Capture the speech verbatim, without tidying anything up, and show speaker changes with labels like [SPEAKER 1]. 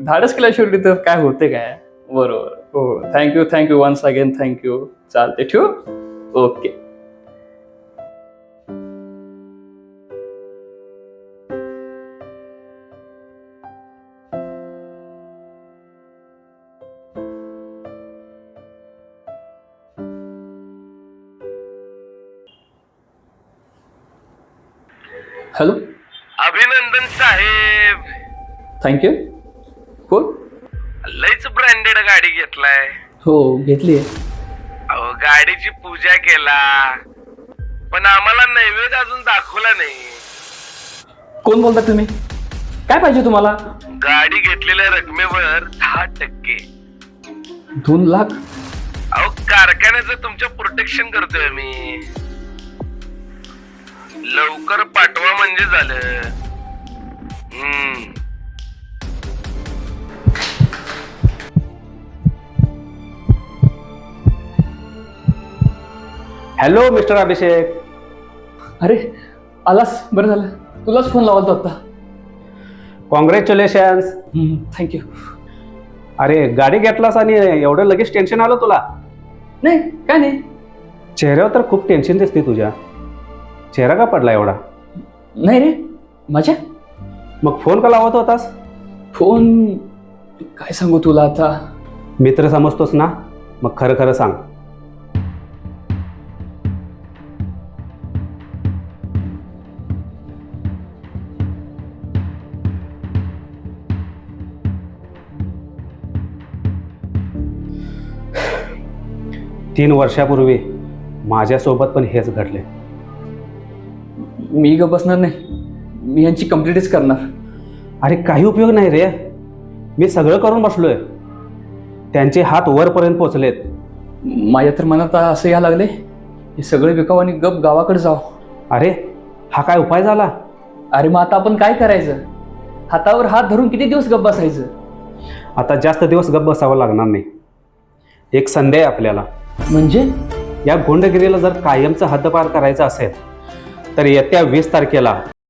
[SPEAKER 1] धाडस केल्या शेवटी तर काय होते काय. बरोबर. हो thank you thank you once again thank you. चालते ठेवू. ओके. हॅलो.
[SPEAKER 2] अभिनंदन साहेब.
[SPEAKER 1] थँक्यू. कोण?
[SPEAKER 2] लयच ब्रँडेड गाडी घेतलाय.
[SPEAKER 1] हो घेतली आहे.
[SPEAKER 2] अहो गाडीची पूजा केला पण आम्हाला नैवेद्य अजून दाखवला नाही.
[SPEAKER 1] कोण बोलता तुम्ही? काय पाहिजे तुम्हाला?
[SPEAKER 2] गाडी घेतलेल्या रकमेवर दहा टक्के.
[SPEAKER 1] दोन लाख?
[SPEAKER 2] अहो कारखान्याचं तुमच्या प्रोटेक्शन करतोय मी. लवकर पाठवा म्हणजे झालं. हम्म.
[SPEAKER 3] Hello mister Abhishek.
[SPEAKER 1] अरे आलास, बरं झालं. तुलाच फोन लावला होता.
[SPEAKER 3] कॉंग्रॅच्युलेशन्स.
[SPEAKER 1] थँक्यू.
[SPEAKER 3] अरे गाडी घेतलास आणि एवढं लगेच टेन्शन आलं तुला?
[SPEAKER 1] नाही काय नाही.
[SPEAKER 3] चेहऱ्यावर तर खूप टेन्शन दिसते तुझ्या. चेहरा का पडला एवढा?
[SPEAKER 1] नाही रे माझ्या.
[SPEAKER 3] मग फोन का लावत होतास?
[SPEAKER 1] फोन काय सांगू तुला आता.
[SPEAKER 3] मित्र समजतोस ना, मग खरं खरं सांग. तीन वर्षापूर्वी माझ्यासोबत पण हेच घडले.
[SPEAKER 1] मी ग बसणार नाही. मी यांची कंप्लीटच करणार.
[SPEAKER 3] अरे काही उपयोग नाही रे. मी सगळं करून बसलोय. त्यांचे हात वरपर्यंत पोचलेत.
[SPEAKER 1] माझ्या तर मनात असं या लागले हे सगळे विकाव आणि गप गावाकडे जाव.
[SPEAKER 3] अरे हा काय उपाय झाला?
[SPEAKER 1] अरे मग आता आपण काय करायचं? हातावर हात धरून किती दिवस गप बसायचं?
[SPEAKER 3] आता जास्त दिवस गप बसावं लागणार नाही. एक संधी आहे आपल्याला.
[SPEAKER 1] म्हणजे?
[SPEAKER 3] या गुंडगिरीला जर कायमचं हद्दपार करायचं असेल तर येत्या वीस तारखेला